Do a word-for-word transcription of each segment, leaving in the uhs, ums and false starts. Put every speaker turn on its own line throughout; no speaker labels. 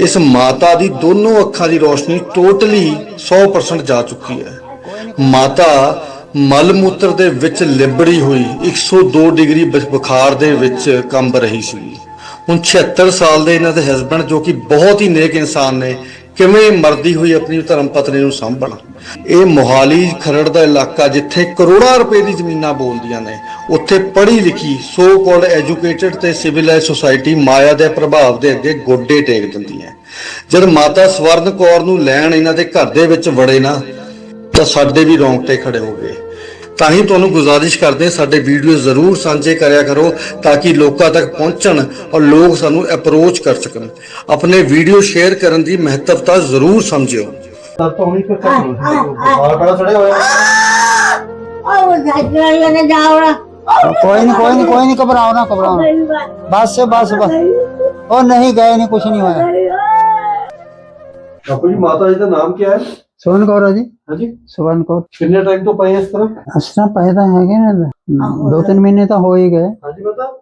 इस माता दी दोनों अखां दी रोशनी टोटली सौ परसेंट जा चुकी है। माता मल मूत्र दे विच लिबड़ी हुई एक सौ दो डिग्री बुखार दे विच कंब रही सी। हुण छिहत्तर साल दे इन्हां दे हस्बैंड जो कि बहुत ही नेक इंसान ने किवें मरदी हुई अपनी धर्म पत्नी नूं सांभण। ਇਹ ਮੋਹਾਲੀ ਖਰੜ ਦਾ ਇਲਾਕਾ ਜਿੱਥੇ ਕਰੋੜਾਂ ਰੁਪਏ ਦੀ ਜ਼ਮੀਨਾਂ ਬੋਲਦੀਆਂ ਨੇ, ਉੱਥੇ ਪੜ੍ਹੀ ਲਿਖੀ ਸੋ ਕਾਲਡ ਐਜੂਕੇਟਡ ਤੇ ਸਿਵਲਾਈਜ਼ ਸੁਸਾਇਟੀ ਮਾਇਆ ਦੇ ਪ੍ਰਭਾਵ ਦੇ ਅੱਗੇ ਗੋਡੇ ਟੇਕ ਦਿੰਦੀ ਹੈ। ਜਦ ਮਾਤਾ ਸਵਰਨ ਕੌਰ ਨੂੰ ਲੈਣ ਇਹਨਾਂ ਦੇ ਘਰ ਦੇ ਵਿੱਚ ਵੜੇ ਨਾ ਤਾਂ ਸਾਡੇ ਵੀ ਰੌਂਗਟੇ ਖੜੇ ਹੋ ਗਏ। ਤਾਂ ਹੀ ਤੁਹਾਨੂੰ ਗੁਜ਼ਾਰਿਸ਼ ਕਰਦੇ ਸਾਡੇ ਵੀਡੀਓ ਜ਼ਰੂਰ ਸਾਂਝੇ ਕਰਿਆ ਕਰੋ ਤਾਂ ਕਿ ਲੋਕਾਂ ਤੱਕ ਪਹੁੰਚਣ ਔਰ ਲੋਕ ਸਾਨੂੰ ਅਪਰੋਚ ਕਰ ਸਕਣ। ਆਪਣੇ ਵੀਡੀਓ ਸ਼ੇਅਰ ਕਰਨ ਦੀ ਮਹੱਤਵਤਾ ਜ਼ਰੂਰ ਸਮਝਿਓ।
तब तो उन्हीं को कर लो और बड़ा थोड़े होया
और जाकर लेने जाओ ना।
कोई नहीं कोई नहीं कोई नहीं घबराओ ना घबराओ ना। बस से बस बस और नहीं गए नहीं कुछ नहीं होया।
बापू जी माता जी का नाम क्या है?
सुवर्ण कौर जी।
हाँ जी
सुवर्ण कौर।
कितने टाइम तो पाए इस तरह
इस तरह पैदा है ना दो तीन महीने तो हो ही गए।
हाँ जी बता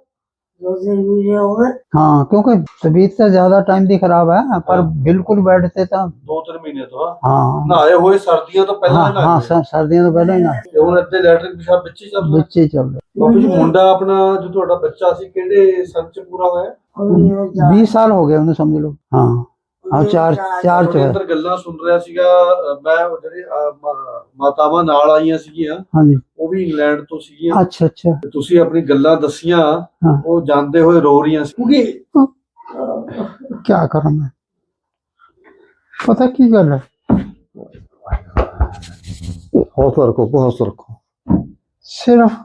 हाँ क्योंकि तबीयत से ज्यादा टाइम भी खराब है पर बिल्कुल बैठते था
दो तीन महीने तो
हाँ
नहाए हुए सर्दियां तो पहले
हाँ हाँ सर सर्दियां तो पहले ही ना
ਹੁਣ ਇੱਥੇ ਲੈਟਰਿਨ ਪਿਸ਼ਾਬ ਵਿੱਚ ਹੀ ਚੱਲ ਰਿਹਾ।
बच्चे चल रहे
ਬਾਪੂ ਜੀ ਮੁੰਡਾ ਆਪਣਾ ਜੋ ਤੁਹਾਡਾ ਬੱਚਾ ਸੀ ਕਿਹੜੇ ਸੰਨ ਚ ਪੂਰਾ ਹੋਇਆ?
बीस साल हो गए उन्हें समझ लो। हाँ हाँ चार चार
ਤੁਹਾਡੇ
जो है।
ਅੰਦਰ ਗੱਲਾਂ ਸੁਣ ਰਿਹਾ ਸੀਗਾ ਅ, ਮੈਂ ਉਹ ਜਿਹੜੇ ਅ, ਮਾ- ਮਾਤਾਵਾਂ ਨਾਲ ਆਈਆਂ ਸੀਗੀਆਂ
हाँ जी
ਉਹ ਵੀ ਇੰਗਲੈਂਡ ਤੋਂ ਸੀਗੀਆਂ।
अच्छा अच्छा
ਤੇ ਤੁਸੀਂ ਆਪਣੀ ਗੱਲਾਂ ਦੱਸੀਆਂ
ਹਾਂ।
ਉਹ ਜਾਂਦੇ ਹੋਏ ਰੋ ਰਹੀਆਂ ਸੀ ਕਿਉਂਕਿ
क्या करूं मैं पता की गल है।
ਹੌਸਲਾ ਰੱਖੋ ਹੌਸਲਾ ਰੱਖੋ।
सिर्फ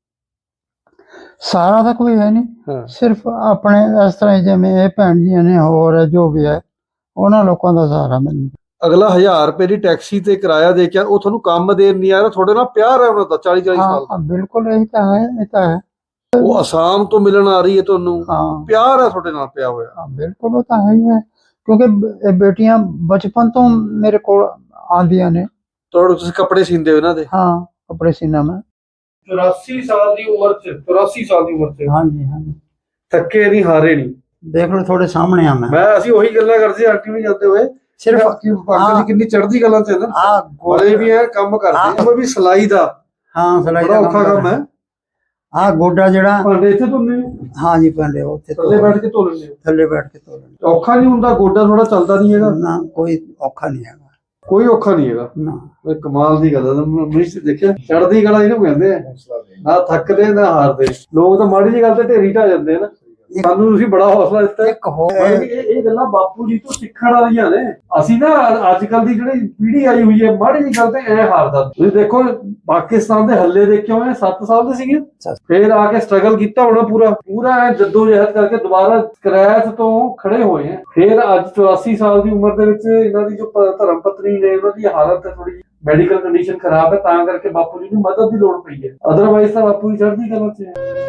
सारा तो कोई है नहीं
ਹਾਂ
सिर्फ अपने इस तरह जिवें ये भैन जी ने होर जो भी है उन्होंने लोगों का सहारा मिलना।
ਅਗਲਾ ਹਜ਼ਾਰ ਰੁਪਏ ਦੀ ਟੈਕਸੀ ਤੇ ਕਿਰਾਇਆ ਦੇ ਕੇ ਉਹ ਤੁਹਾਨੂੰ ਕੰਮ ਦੇਣ ਨਹੀਂ ਆ ਰਿਹਾ, ਤੁਹਾਡੇ ਨਾਲ ਪਿਆਰ ਹੈ ਉਹਨਾਂ ਦਾ ਚਾਲੀ ਚਾਲੀ
हाँ
ਸਾਲ
हाँ, बिल्कुल यही तो है ये तो है।
ਉਹ ਅਸਾਮ ਤੋਂ ਮਿਲਣ ਆ ਰਹੀ ਹੈ ਤੁਹਾਨੂੰ,
हाँ
ਪਿਆਰ ਹੈ ਤੁਹਾਡੇ ਨਾਲ ਪਿਆ ਹੋਇਆ।
हाँ बिल्कुल वो तो है ही है क्योंकि ब- बेटियां बचपन तो मेरे को आंदियां ने।
ਤੁਹਾਡੇ ਤੁਸੀਂ ਕੱਪੜੇ ਸੀਂਦੇ ਹੋ ਇਹਨਾਂ ਦੇ।
हाँ कपड़े सीना में।
ਚੁਰਾਸੀ ਸਾਲ ਦੀ ਉਮਰ ਚ ਚੁਰਾਸੀ ਸਾਲ ਦੀ ਉਮਰ ਚ
हाँ जी हाँ जी
ਥੱਕੇ ਨਹੀਂ ਹਾਰੇ ਨਹੀਂ।
देख लो थोड़े सामने आ मैं
ਮੈਂ ਅਸੀਂ ਉਹੀ ਗੱਲਾਂ ਕਰਦੇ ਆਂਟੀ ਵੀ ਜਾਂਦੇ ਹੋਏ
सिर्फ
ਕਿ ਬਾਕੀ ਦੀ ਕਿੰਨੀ ਚੜ੍ਹਦੀ ਗੱਲਾਂ ਚ ਹੈ ਨਾ।
हाँ
ਬੜੇ ਵੀ ਹੈ ਕੰਮ ਕਰਦੇ ਉਹ ਵੀ ਸਲਾਈ ਦਾ
हाँ सिलाई
ਬੜਾ
का
ਔਖਾ
काम
ਕੰਮ ਹੈ।
हाँ गोडा जड़ा
ਭਾਂਡੇ ਇੱਥੇ ਧੋਨੇ
हाँ जी पहले उत्थे
ਥੱਲੇ ਬੈਠ ਕੇ ਧੋ ਲੈਂਦੇ
थल्ले बैठ के तो लेना।
ਹੋ। ਔਖਾ ਨਹੀਂ ਹੁੰਦਾ, ਗੋਡਾ ਥੋੜਾ ਚੱਲਦਾ ਨਹੀਂ ਹੈਗਾ,
ना कोई औखा नहीं है
ਕੋਈ ਔਖਾ ਨਹੀਂ ਹੈਗਾ।
ना।
ਇਹ ਕਮਾਲ ਦੀ ਗੱਲ ਹੈ। ਮਰੀਜ਼ ਦੇਖਿਆ ਚੜ੍ਹਦੀ ਕਲਾ ਇਹਨੂੰ ਕਹਿੰਦੇ ਆ। ਨਾ ਥੱਕਦੇ ਨਾ ਹਾਰਦੇ ਲੋਕ ਤਾਂ ਮਾੜੀ ਜਿਹੀ ਗੱਲ ਤੇ ਢੇਰੀ ਢਾ ਜਾਂਦੇ ਆ ਨਾ। ਸਾਨੂੰ ਤੁਸੀਂ ਬੜਾ ਹੌਸਲਾ ਦਿੱਤਾ।
एक हो
ਇਹ ਇਹ ਗੱਲਾਂ ਬਾਪੂ ਜੀ ਤੋਂ ਸਿੱਖਣ ਵਾਲੀਆਂ ਨੇ। ਅਸੀਂ ਨਾ ਅੱਜ ਕੱਲ ਦੀ ਜਿਹੜੀ ਪੀੜ੍ਹੀ ਆਈ ਹੋਈ ਹੈ ਮਾੜੀ ਜਿਹੀ ਗੱਲ ਤੇ ਐ ਹਾਰਦਾ। ਤੁਸੀਂ ਦੇਖੋ ਪਾਕਿਸਤਾਨ ਦੇ ਹੱਲੇ ਦੇਖੇ ਹੋਏ ਸੱਤ ਸਾਲ ਦੇ ਸੀਗੇ, ਫੇਰ ਆ ਕੇ ਸਟਰਗਲ ਕੀਤਾ ਹੋਣਾ ਪੂਰਾ ਪੂਰਾ ਐ ਜੱਦੋ ਜਹਿਦ ਕਰਕੇ ਦੁਬਾਰਾ ਸਕ੍ਰੈਚ ਤੋਂ ਖੜੇ ਹੋਏ ਆ। ਫੇਰ ਅੱਜ ਚੁਰਾਸੀ ਸਾਲ ਦੀ ਉਮਰ ਦੇ ਵਿੱਚ ਇਹਨਾਂ ਦੀ ਜੋ ਪ- ਧਰਮ ਪਤਨੀ ਨੇ ਉਹਨਾਂ ਦੀ ਹਾਲਤ ਥੋੜੀ ਮੈਡੀਕਲ ਕੰਡੀਸ਼ਨ ਖਰਾਬ ਹੈ, ਤਾਂ ਕਰਕੇ ਬਾਪੂ ਜੀ ਨੂੰ ਮਦਦ ਦੀ ਲੋੜ ਪਈ ਹੈ। ਅਦਰਵਾਈਜ਼ ਤਾਂ ਬਾਪੂ ਜੀ ਚੜ੍ਹਦੀ ਕਲਾ ਚ ਹੈ।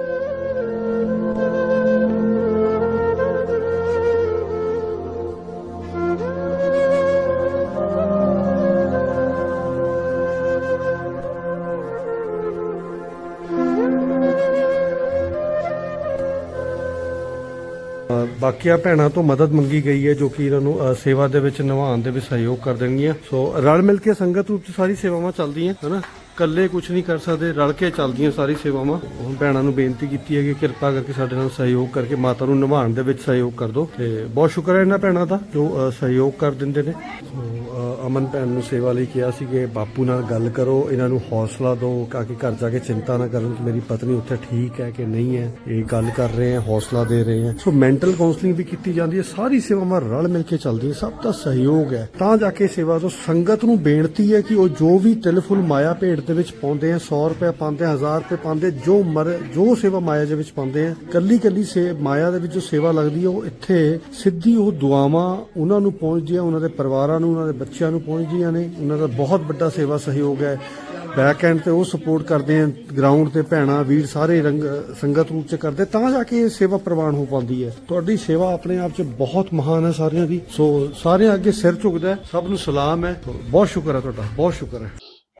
ਬਾਕੀਆਂ ਭੈਣਾਂ ਤੋਂ ਮਦਦ ਮੰਗੀ ਗਈ ਹੈ ਜੋ ਕਿ ਇਹਨਾਂ ਨੂੰ ਅ, ਸੇਵਾ ਦੇ ਵਿੱਚ ਨਿਭਾਉਣ ਦੇ ਵਿੱਚ ਸਹਿਯੋਗ ਕਰ ਦੇਣਗੀਆਂ। ਸੋ ਰਲ ਮਿਲ ਕੇ ਸੰਗਤ ਰੂਪ ਚ ਸਾਰੀ ਸੇਵਾਵਾਂ ਚੱਲਦੀਆਂ ਹਨਾ, ਇਕੱਲੇ ਕੁਝ ਨਹੀਂ ਕਰ ਸਕਦੇ, ਰਲ ਕੇ ਚੱਲਦੀਆਂ ਸਾਰੀ ਸੇਵਾਵਾਂ। ਹੁਣ ਭੈਣਾਂ ਨੂੰ ਬੇਨਤੀ ਕੀਤੀ ਹੈ ਕਿ ਕਿਰਪਾ ਕਰਕੇ ਸਾਡੇ ਨਾਲ ਸਹਿਯੋਗ ਕਰਕੇ ਮਾਤਾ ਨੂੰ ਨਿਭਾਉਣ ਦੇ ਵਿੱਚ ਸਹਿਯੋਗ ਕਰ ਦਿਓ। ਤੇ ਬਹੁਤ ਸ਼ੁਕਰ ਹੈ ਇਹਨਾਂ ਭੈਣਾਂ ਦਾ ਜੋ ਅ, ਸਹਿਯੋਗ ਕਰ ਦਿੰਦੇ ਨੇ। ਸੋ ਅ, ਅਮਨ ਭੈਣ ਨੂੰ ਸੇਵਾ ਲਈ ਕਿਹਾ ਸੀ ਕਿ ਬਾਪੂ ਨਾਲ ਗੱਲ ਕਰੋ, ਇਹਨਾਂ ਨੂੰ ਹੌਸਲਾ ਦਿਓ ਤਾਂ ਕਿ ਘਰ ਜਾ ਕੇ ਚਿੰਤਾ ਨਾ ਕਰਨ ਕਿ ਮੇਰੀ ਪਤਨੀ ਉੱਥੇ ਠੀਕ ਹੈ ਕਿ ਨਹੀਂ ਹੈ। ਇਹ ਗੱਲ ਕਰ ਰਹੇ ਹੈ, ਹੌਸਲਾ ਦੇ ਰਹੇ ਹੈ। ਸੋ ਮੈਂਟਲ ਕਾਉਂਸਲਿੰਗ ਵੀ ਕੀਤੀ ਜਾਂਦੀ ਹੈ। ਸਾਰੀ ਸੇਵਾਵਾਂ ਰਲ ਮਿਲ ਕੇ ਚੱਲਦੀਆਂ, ਸਭ ਦਾ ਸਹਿਯੋਗ ਹੈ ਤਾਂ ਜਾ ਕੇ ਸੇਵਾ ਤੋਂ। ਸੰਗਤ ਨੂੰ ਬੇਨਤੀ ਹੈ ਕਿ ਉਹ ਜੋ ਵੀ ਤਿਲ ਫੁੱਲ ਮਾਇਆ ਭੇਟ ਦੇ ਵਿੱਚ ਪਾਉਂਦੇ ਆ, ਸੌ ਰੁਪਏ ਪਾਉਂਦੇ, ਹਜ਼ਾਰ ਰੁਪਏ ਪਾਉਂਦੇ, ਜੋ ਮਰ ਜੋ ਸੇਵਾ ਮਾਇਆ ਦੇ ਵਿੱਚ ਪਾਉਂਦੇ ਆ, ਕੱਲੀ ਕੱਲੀ ਸੇ ਮਾਇਆ ਦੇ ਵਿੱਚ ਜੋ ਸੇਵਾ ਲੱਗਦੀ ਹੈ ਉਹ ਇੱਥੇ ਸਿੱਧੀ ਉਹ ਦੁਆਵਾਂ ਉਹਨਾਂ ਨੂੰ ਪਹੁੰਚਦੀਆਂ, ਉਹਨਾਂ ਦੇ ਪਰਿਵਾਰਾਂ ਨੂੰ, ਉਹਨਾਂ ਦੇ ਬੱਚਿਆਂ ਨੂੰ ਪਹੁੰਚਦੀਆਂ ਨੇ। ਉਹਨਾਂ ਦਾ ਬਹੁਤ ਵੱਡਾ ਸੇਵਾ ਸਹਿਯੋਗ ਹੈ। ਬੈਕ ਐਂਡ ਤੇ ਉਹ ਸਪੋਰਟ ਕਰਦੇ ਆ, ਗਰਾਊਂਡ ਤੇ ਭੈਣਾਂ ਵੀਰ ਸਾਰੇ ਰੰਗ ਸੰਗਤ ਰੂਪ ਚ ਕਰਦੇ, ਤਾਂ ਜਾ ਕੇ ਇਹ ਸੇਵਾ ਪ੍ਰਵਾਨ ਹੋ ਪਾਉਂਦੀ ਹੈ। ਤੁਹਾਡੀ ਸੇਵਾ ਆਪਣੇ ਆਪ ਚ ਬਹੁਤ ਮਹਾਨ ਹੈ ਸਾਰਿਆਂ ਦੀ। ਸੋ ਸਾਰਿਆਂ ਅੱਗੇ ਸਿਰ ਝੁਕਦਾ, ਸਭ ਨੂੰ ਸਲਾਮ ਹੈ। ਬਹੁਤ ਸ਼ੁਕਰ ਹੈ ਤੁਹਾਡਾ, ਬਹੁਤ ਸ਼ੁਕਰ ਹੈ।